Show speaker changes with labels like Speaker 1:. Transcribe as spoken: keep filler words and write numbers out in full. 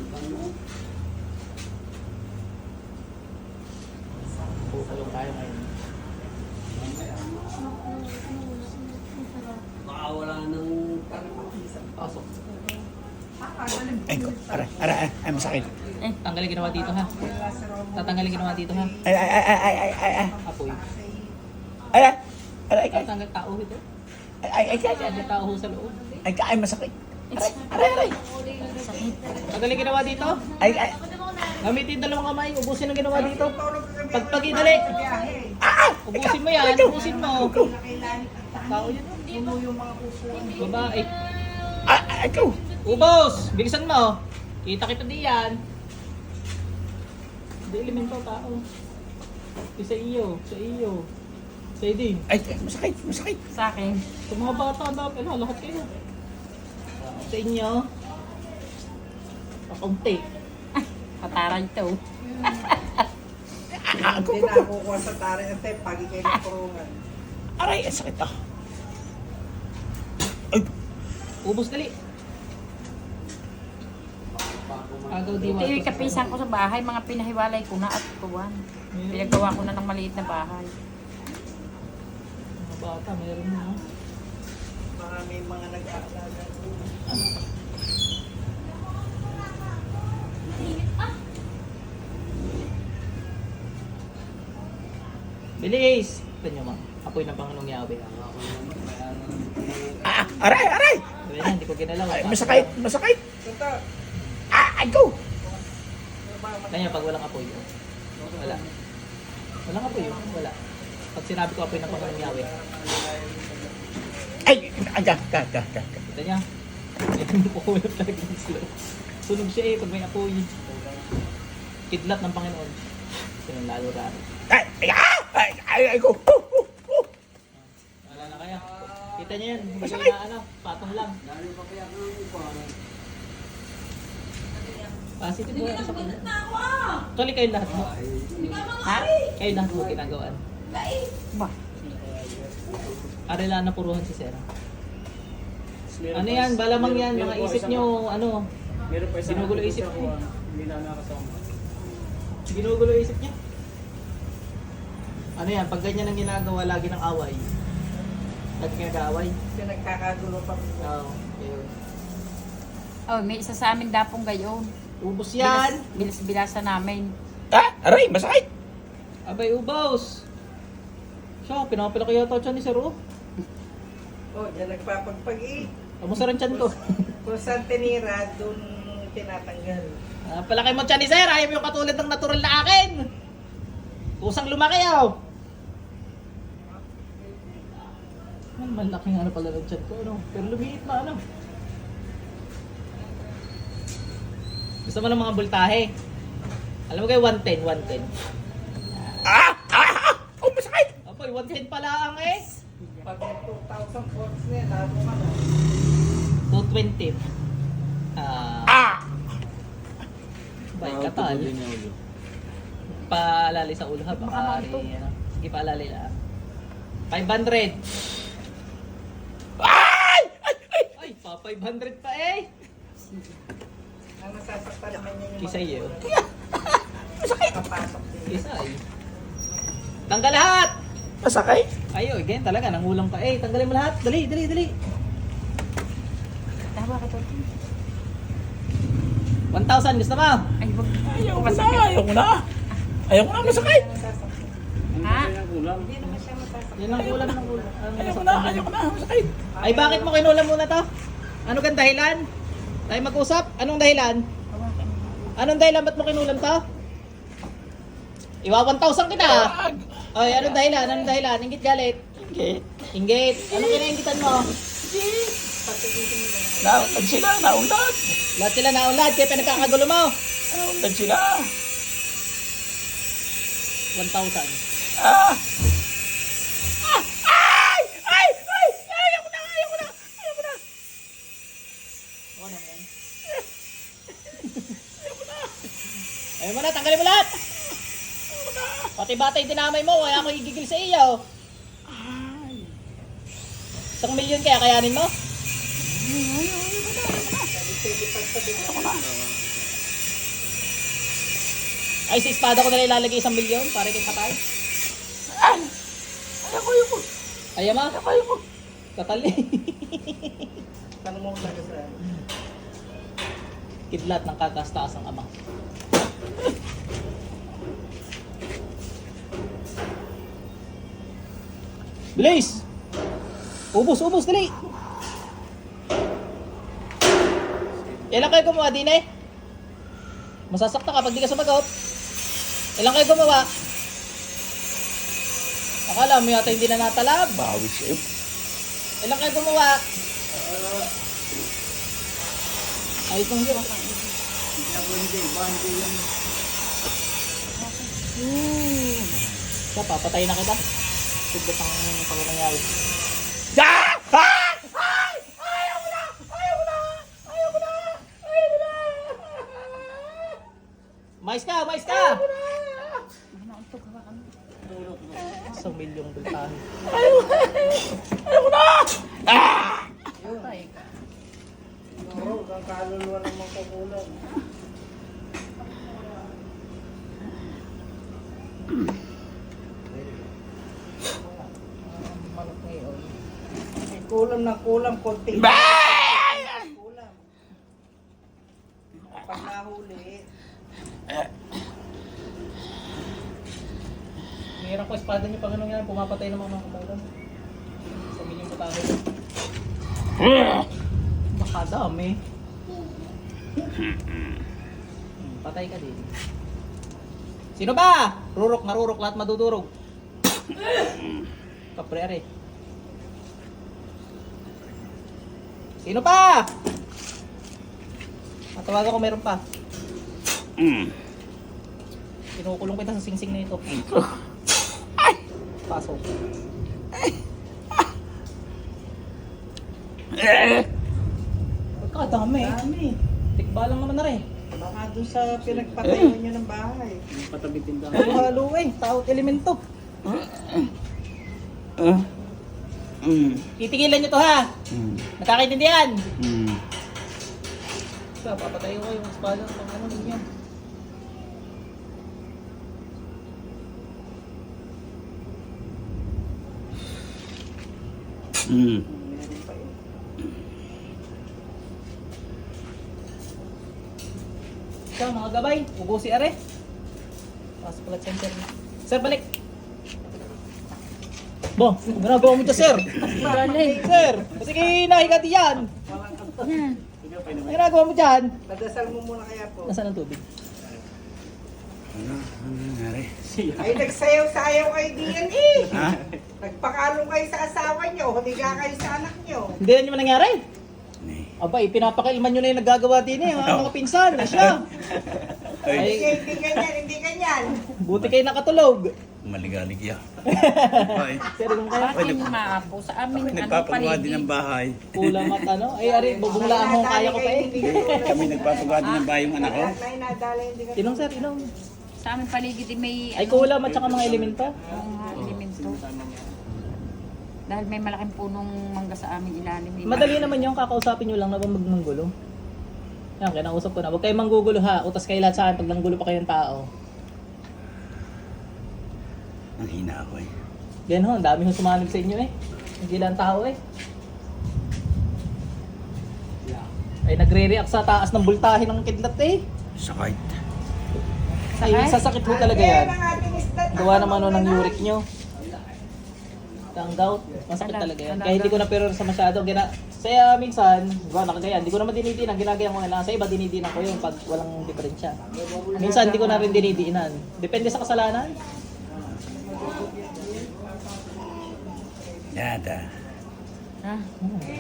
Speaker 1: Pukulong tayo ngayon.
Speaker 2: Baka wala nang
Speaker 1: Pasok.
Speaker 3: Ay, ko. Aray, aray, ay, ay, masakit.
Speaker 1: Eh, tanggalin ginawa dito ha. Tatanggalin ginawa dito ha.
Speaker 3: Ay, ay, ay, ay, ay, ay, ay, ay,
Speaker 1: Apoy.
Speaker 3: ay, ay, ay, ay,
Speaker 1: Tatanggal tao ito.
Speaker 3: ay, ay, ay, ay,
Speaker 1: May tao ho sa loob.
Speaker 3: ay, ay, masakit. Aray, aray, aray.
Speaker 1: Tanggalin ginawa dito.
Speaker 3: Ay, ay,
Speaker 1: Gamitin dalawang kamay. Ubusin ang ginawa dito. Pagpagi, dali.
Speaker 3: ah,
Speaker 1: Ubusin mo yan. Ubusin mo. Tao yun. Babae.
Speaker 3: ah, ay, ikaw.
Speaker 1: Ubos! Bilisan mo. Kita kita diyan. Hindi elemento tao. Di sa iyo. Sa iyo. Sa iyo din.
Speaker 3: Ay, ay, masakit, masakit.
Speaker 4: Sa akin.
Speaker 1: Sa mga bata dapat. Ano, lahat kayo. Sa inyo. Pakunti.
Speaker 4: Pataray to.
Speaker 3: Ah, ako,
Speaker 5: Hindi na nakukuha sa tari at tayo pagi kayo ng kurungan.
Speaker 3: aray, ang sakit ah. Ay,
Speaker 1: Ubos dali. Agaw
Speaker 4: Ito
Speaker 1: diwa.
Speaker 4: yung kapisan ko sa bahay, mga pinahiwalay ko na at kuwan. Pinagawa ko na ng maliit na bahay.
Speaker 1: Mga bata, meron na.
Speaker 5: Mga may mga nag-aalaga.
Speaker 1: Bilis! Ito nyo ma. Apoy ng Panginoong Yahweh.
Speaker 3: ah, aray, aray.
Speaker 1: Sabi na, hindi ko ginalaw.
Speaker 3: Ay, masakit, masakit.
Speaker 5: Ito,
Speaker 3: Ah, ay, go.
Speaker 1: Kanya pag walang apoy, oh. Wala. Walang apoy, oh. Wala. Pag sinabi ko apoy ng Panginoong Yahweh,
Speaker 3: Ay, ay, ga, ga, ga, ga.
Speaker 1: kita niya. Ito mo po kulap talaga ng slow. Sunog siya eh pag may apoy. Kidlat ng Panginoon. Sinong lalo raro.
Speaker 3: Ay, ay, ah, ay, ay, ay, go. Uh, uh, uh.
Speaker 1: Wala na kaya. Kita niya yan. Hindi
Speaker 3: Masakit.
Speaker 1: na ano. Patong lang. Positive po yan sa kanya. Actually kayo lahat mo.
Speaker 4: Ha?
Speaker 1: Kayo lahat mo ginagawaan.
Speaker 4: Ba?
Speaker 1: Arela na puruhan si Sarah. Ano yan? Balamang yan. Mga isip nyo, ano, ginugulo isip nyo. Ginugulo isip niya. Ano yan? Pag ganyan ang ginagawa, lagi ng away. Lagi nag-aaway.
Speaker 5: kasi nagkakagulo pa.
Speaker 1: Oo. Ayun.
Speaker 4: Oh, may isa sa amin dapong gayon.
Speaker 1: Ubus yan!
Speaker 4: Bilas, bilas-bilasa namin.
Speaker 3: Ah, aray, masakit.
Speaker 1: Abay, ubos! Siya, pinapalaki yata siya ni Sir O.
Speaker 5: Oh, diyan nagpapagpag eh.
Speaker 1: Kamusta rin tiyan ko?
Speaker 5: Kung saan tinira, doon tinatanggal.
Speaker 1: Ah, palaki mo tiyan ni Sir, ayaw mo yung katulad ng natural na akin! Kusang lumaki oh! Ang malaking ano pala ng tiyan ko, ano? Pero lumiit na ano. Gusto mo ng mga bultahe? Alam mo kayo, one ten, one ten.
Speaker 3: Ah, ah, ah. Oh, masakit.
Speaker 1: Apoy, one ten pala ang eh.
Speaker 5: Pag may two thousand volts na yan, lalo ka na.
Speaker 1: two twenty. Ah,
Speaker 3: Ah,
Speaker 1: bay, katal. Paalali sa ulo ha, baka rin, ano. Sige, paalali lang. five hundred.
Speaker 3: ay, ay, ay.
Speaker 1: Ay, pa five hundred pa eh.
Speaker 5: Ang nasasaktan naman niya yung
Speaker 1: Kisay yun.
Speaker 5: kapasok din.
Speaker 1: Kisay. Tanggal lahat!
Speaker 3: Masakit.
Speaker 1: Ayo, again talaga, nangulang pa eh. Tanggalin mo lahat. Dali, dali, dali.
Speaker 4: Tawa ka to.
Speaker 1: one thousand, gusto mo?
Speaker 4: Ay, wag.
Speaker 3: Ayaw ko na, ayaw ko na. Ayaw ko na, masakit.
Speaker 4: Ha?
Speaker 5: Hindi naman siya masasaktan.
Speaker 1: Yan ang ulam ng ulam. Ang
Speaker 3: Ayaw ko na,
Speaker 1: nasaktan.
Speaker 3: ayaw ko na, masakit.
Speaker 1: Ay, bakit mo kinulam muna to? Ano kang dahilan? Tayo mag-usap? Anong dahilan? Anong dahilan? Ba't mo kinulam to? Iwa one thousand kita. Ay, anong dahilan? Anong dahilan? Ingit galit?
Speaker 3: Okay.
Speaker 1: Inggit. Anong kinaingitan mo?
Speaker 3: Naundan sila, naundan.
Speaker 1: Lahat sila naunlad, kaya pinagkakagulo mo.
Speaker 3: Naundan sila.
Speaker 1: one thousand.
Speaker 3: Ah. Ah, ay, ay, ay, ayaw ko na, ayaw ko na, ayaw ko na.
Speaker 1: Ako naman. Ayaw mo na, tanggalin mo lahat. Pati batay dinamay mo, kaya ako igigil sa iyo.
Speaker 3: Ay.
Speaker 1: Isang milyon kaya kayanin mo? Ay, sa espada ko na ilalagay isang milyon para kay patay.
Speaker 3: Ayaw ko, ayaw ko.
Speaker 1: Ayaw ma?
Speaker 3: Ayaw ko, ayaw ko.
Speaker 1: Katali.
Speaker 5: Tanong mo talaga sa
Speaker 1: Kidlat ng kakastaas ang ama. Bilis! Ubus, ubus, dali! Ilan kayo gumawa din eh? Masasakta kapag di ka sumagot. Ilan kayo gumawa? Akala mo yata hindi na natalab.
Speaker 3: Bawi sa'yo.
Speaker 1: Ilan kayo gumawa? Ayos lang yun. Hmm. Siya, papatay na kita. Sigbat ang pagkakangyari.
Speaker 3: Ah! Ah! Ay! Ayaw mo na! Ayaw mo na! Ayaw mo na! Ayaw mo na!
Speaker 1: Mais ka, mais ka! Isang milyong bultahan.
Speaker 3: Ayaw mo na! Ayaw mo na! Ah!
Speaker 5: Oo, ang kaluluwa naman kukulang. Kulam na kulam, konti.
Speaker 3: Bah!
Speaker 5: Kulam. Pag nahuli,
Speaker 1: Mayroon ko espada niyo pag anong yan, pumapatay ng mga kabalan. Sa milyong putahe. Baka dami. Hmm, patay ka din. Sino ba? Rurok, marurok, lahat madudurog. Kapre are. Sino pa? Matawagan ko meron pa.
Speaker 3: Mm.
Speaker 1: Kinukulong kita sa singsing na ito. Pasok.
Speaker 3: Eh!
Speaker 1: Pagkadami eh.
Speaker 5: dami.
Speaker 1: Tikba lang naman na rin.
Speaker 5: Baka doon sa pinagpatayo nyo ng bahay.
Speaker 1: Halo-halo eh. Tawag elemento.
Speaker 3: Ah. Mm.
Speaker 1: Titigilan nyo to ha.
Speaker 3: Mm.
Speaker 1: Nakakaintindihan.
Speaker 3: Mm.
Speaker 1: Sa papatay ko yung espada pag ano din yan.
Speaker 3: Mm.
Speaker 5: Meron pa yun.
Speaker 1: Sa mga gabay, ubusi are. Pasok pala center. Sir, balik. Bo, ginagawa mo ito, sir. Sir, kasi kinahiga diyan. Ang ginagawa mo dyan.
Speaker 5: Padasal mo muna kaya po.
Speaker 1: Nasaan ang tubig?
Speaker 3: Ano? Ano nangyari?
Speaker 5: Ay, nagsayaw-sayaw kayo diyan eh.
Speaker 3: Ha?
Speaker 5: Nagpakalong kayo sa asawa nyo, humiga kayo sa anak nyo.
Speaker 1: Hindi na nyo nangyari.
Speaker 3: Ni.
Speaker 1: Aba, pinapakilman nyo na yung naggagawa din eh. Ang mga pinsan, eh, siya.
Speaker 5: Hindi,
Speaker 1: Ay,
Speaker 5: hindi ganyan, hindi ganyan.
Speaker 1: buti kayo nakatulog.
Speaker 3: Maligalig ya. Ay.
Speaker 1: Sir, kung kaya,
Speaker 4: Akin maapo sa amin.
Speaker 3: Kami
Speaker 4: Ano
Speaker 3: nagpapagawa din ng
Speaker 4: paligid.
Speaker 3: bahay.
Speaker 1: kulang at ano. Ay, ari, bubunglaan mo, kaya ko pa eh.
Speaker 3: Kami nagpapagawa din ng bahay yung anak ko.
Speaker 5: Nay, nadala hindi ka.
Speaker 1: Inom, sir, inom.
Speaker 4: Sa amin paligid eh, may
Speaker 1: Ay, kulam at saka mga elemento.
Speaker 4: mga elemento. Dahil may malaking punong mangga sa amin ilalim. eh.
Speaker 1: Madali naman yung kakausapin nyo lang na ba magmanggulo. Yan, kinausap ko na. Huwag kayong manggugulo ha. Utas kayo lahat sa akin pag nanggulo pa kayong tao.
Speaker 3: Ang hina ako eh.
Speaker 1: Yan ho, ang dami ho sumanib sa inyo eh. Hindi lang tao eh. Ay, nagre-react sa taas ng bultahe ng kidlat eh.
Speaker 3: Sakit.
Speaker 1: Ay,
Speaker 4: Sakit?
Speaker 1: sasakit ho talaga yan.
Speaker 5: Ang ating isda.
Speaker 1: Gawa naman ho ng uric nyo. Ang gout, masakit talaga yan. Kaya hindi ko na pero sa masyado. Gina Saya minsan, gawa nakagaya, hindi ko naman dinidinan. Ginagayan ko na lang. Sa iba, dinidinan ko yung pag walang diferensya. Minsan, hindi ko na rin dinidinan. Depende sa kasalanan.
Speaker 3: Yata.
Speaker 4: Ha?